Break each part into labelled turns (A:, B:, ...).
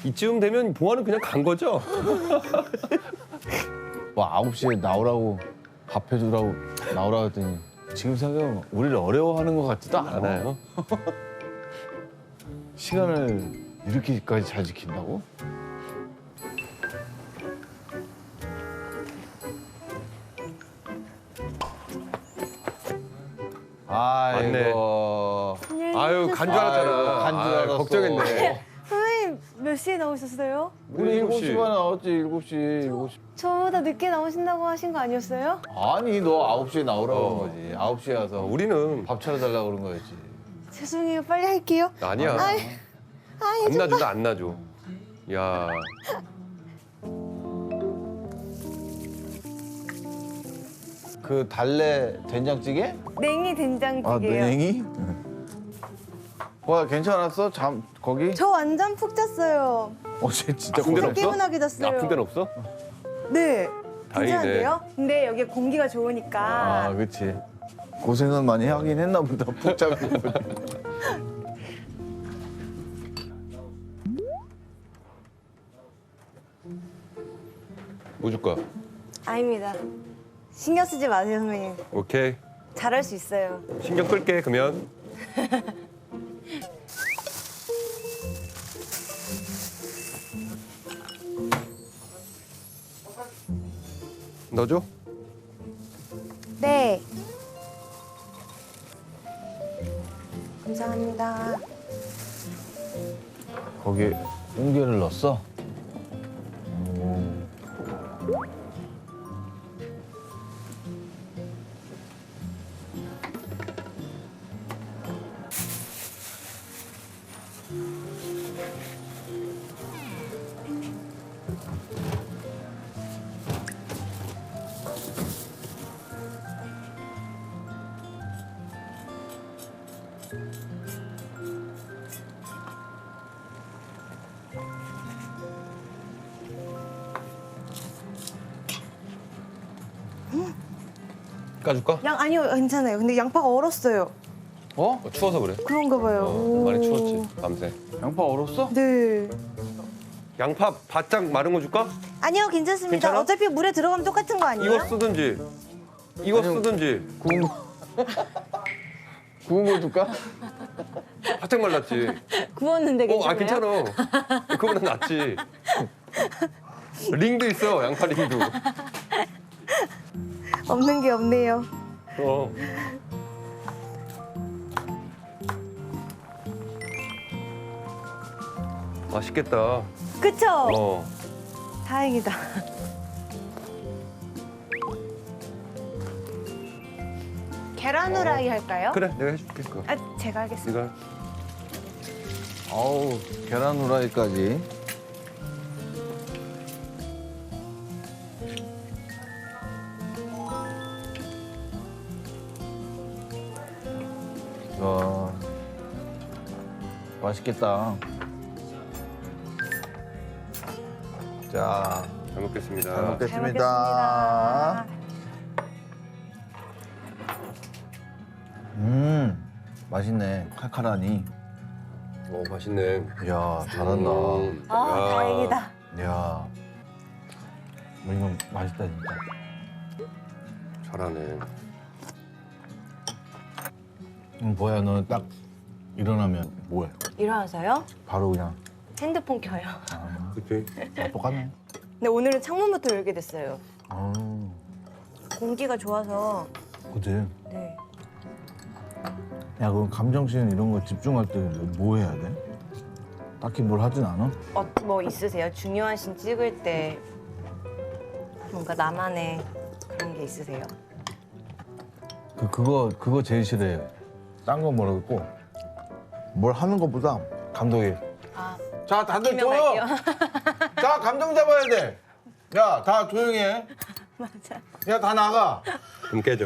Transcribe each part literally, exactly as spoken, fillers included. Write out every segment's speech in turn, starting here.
A: 이쯤 되면 봉화는 그냥 간 거죠?
B: 뭐 아홉 시에 나오라고 밥 해주라고 나오라고 했더니 지금 생각하면 우리를 어려워하는 것 같지도 않아.
A: 않아요.
B: 시간을 이렇게까지 잘 지킨다고? 아이고.
A: 아유, 간 줄 알았잖아.
B: 아유, 간줄
A: 아유,
B: 알았어.
A: 걱정했네.
C: 선생님 몇 시에 나오셨어요?
B: 우리 일곱 시 반에 나왔지, 일곱 시, 일곱 시.
C: 저보다 늦게 나오신다고 하신 거 아니었어요?
B: 아니, 너 아홉 시에 나오라고
A: 어.
B: 그런 거지. 아홉 시에 와서
A: 어, 우리는
B: 밥 차려달라고 그런 거였지.
C: 죄송해요. 빨리 할게요.
A: 아니야.
C: 아이, 아이,
A: 안 놔준다, 안 놔줘. 야,
B: 그 달래 된장찌개?
C: 냉이 된장찌개요.
B: 아, 냉이? 와, 괜찮았어? 잠, 거기?
C: 저 완전 푹 잤어요.
B: 어제 진짜
A: 아픈 데는
C: 진짜
A: 없어?
C: 개운하게 잤어요.
A: 아픈 데는 없어?
C: 네.
A: 다행이네.
C: 괜찮은데요? 근데 여기 공기가 좋으니까.
B: 아, 그치. 고생은 많이 하긴 했나 보다, 푹 자고.
A: 뭐 줄 거야?
C: 아닙니다. 신경 쓰지 마세요, 선배님.
A: 오케이.
C: 잘할 수 있어요.
A: 신경 끌게, 그러면. 넣어줘?
C: 네. 감사합니다.
B: 거기 옹개를 넣었어?
A: 까줄까?
C: 양 아니요, 괜찮아요. 근데 양파가 얼었어요.
B: 어?
A: 어, 추워서 그래.
C: 그런가 봐요.
A: 어, 많이
C: 오.
A: 추웠지, 밤새.
B: 양파 얼었어?
C: 네.
A: 양파 바짝 마른 거 줄까?
C: 아니요, 괜찮습니다.
A: 괜찮아?
C: 어차피 물에 들어가면 똑같은 거 아니에요?
A: 이거 쓰든지, 이거
B: 아니요.
A: 쓰든지.
B: 구운 거. 구운 거 줄까?
A: 바짝 말랐지.
C: 구웠는데
A: 어, 아,
C: 괜찮아요?
A: 괜찮아. 그거보다 낫지. 링도 있어, 양파 링도.
C: 없는 게 없네요.
A: 어. 맛있겠다.
C: 그쵸?
A: 어.
C: 다행이다. 계란 후라이 할까요?
A: 그래, 내가 해줄게, 그거.
C: 아, 제가 하겠습니다.
A: 네가.
B: 아우, 계란 후라이까지. 와, 맛있겠다. 자,
A: 잘 먹겠습니다.
B: 잘 먹겠-
C: 잘
B: 먹겠습니다.
C: 먹겠습니다.
B: 음, 맛있네. 칼칼하니.
A: 오, 맛있네.
B: 이야, 잘한다.
A: 음,
C: 아,
A: 야.
C: 다행이다.
B: 이야, 뭐 이건 맛있다 진짜.
A: 잘하네.
B: 음, 뭐야, 너는 딱 일어나면 뭐해?
C: 일어나서요?
B: 바로 그냥
C: 핸드폰 켜요.
A: 그치?
B: 아, 똑같네.
C: 근데 오늘은 창문부터 열게 됐어요.
B: 아,
C: 공기가 좋아서.
B: 그치.
C: 네.
B: 야, 그럼 감정씬 이런 거 집중할 때 뭐 해야 돼? 딱히 뭘 하진 않아?
C: 어, 뭐 있으세요? 중요한 씬 찍을 때 뭔가 나만의 그런 게 있으세요?
B: 그 그거 그거 제일 싫어해. 딴 건 모르겠고 뭘 하는 것보다 감독이.
C: 아,
B: 자, 다들
C: 김명할게요.
B: 자, 감정 잡아야 돼. 야, 다 조용히 해.
C: 맞아.
B: 야, 다 나가.
A: 좀 깨져.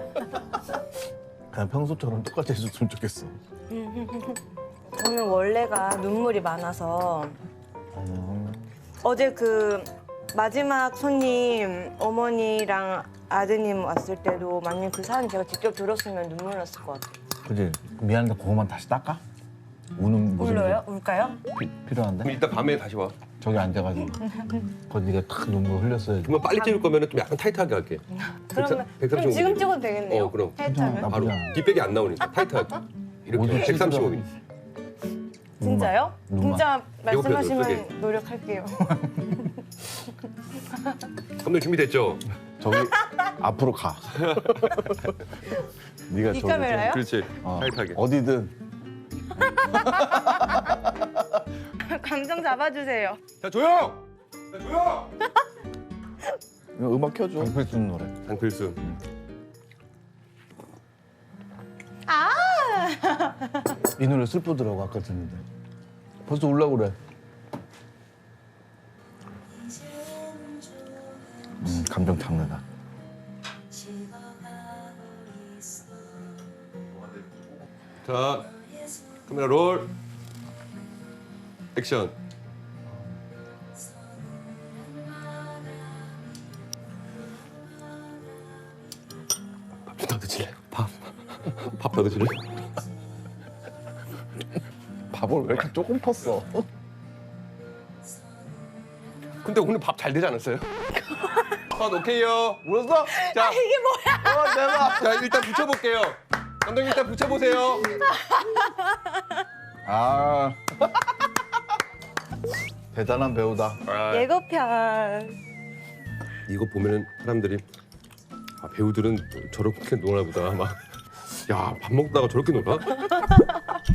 B: 그냥 평소처럼 똑같이 해줬으면 좋겠어.
C: 저는 원래가 눈물이 많아서
B: 음.
C: 어제 그 마지막 손님 어머니랑 아드님 왔을 때도 만약 그 사연 제가 직접 들었으면 눈물 났을 것 같아요.
B: 그지? 미안한데 그거만 다시 닦아? 우는 모습이
C: 울어요? 울까요?
B: 피- 필요한데?
A: 그럼 이따 밤에 다시 와.
B: 저기 앉아가지고 거기 네가 탁 눈물 흘렸어야지.
A: 그러면 빨리 찍을 거면 좀 약간 타이트하게 할게.
C: 그러면
A: 백삼십
C: 그럼 지금
A: 미리.
C: 찍어도 되겠네요.
A: 어, 그럼.
C: 타이트하면.
B: 괜찮아.
A: 바로
B: 나쁘지 않아.
A: 뒷백이 안 나오니까 타이트하게. 이렇게
B: 모두
A: 백삼십오 미리.
C: 진짜요?
B: 눈만.
C: 진짜
A: 배고파요,
C: 말씀하시면
A: 저기.
C: 노력할게요.
A: 감독 준비됐죠?
B: 저기 앞으로 가. 네가
C: 이
B: 저기
C: 카메라요?
A: 그렇지.
B: 어,
A: 타이트하게.
B: 어디든
C: 감정 잡아주세요.
A: 자 조용. 자 조용.
B: 이거 음악 켜줘. 강필순 노래.
A: 장필순.
B: 이 노래 슬프더라고 아까 듣는데. 벌써 울라고 그래. 음, 감정 잡는다.
A: 자 카메라 롤. 액션. 밥 좀 더 드실래요? 밥. 밥 더 드실래요?
B: 밥을 왜 이렇게 조금 펐어?
A: 근데 오늘 밥 잘 되지 않았어요? 컷 오케이요.
B: 울었어?
A: 자,
C: 이게 뭐야?
B: 어, 대박.
A: 자 일단 붙여볼게요. 감독님 일단 붙여보세요.
B: 아. 대단한 배우다.
A: 아,
C: 예고편.
A: 이거 보면은 사람들이 아, 배우들은 저렇게 노나 보다 막. 야 밥 먹다가 저렇게 놀아?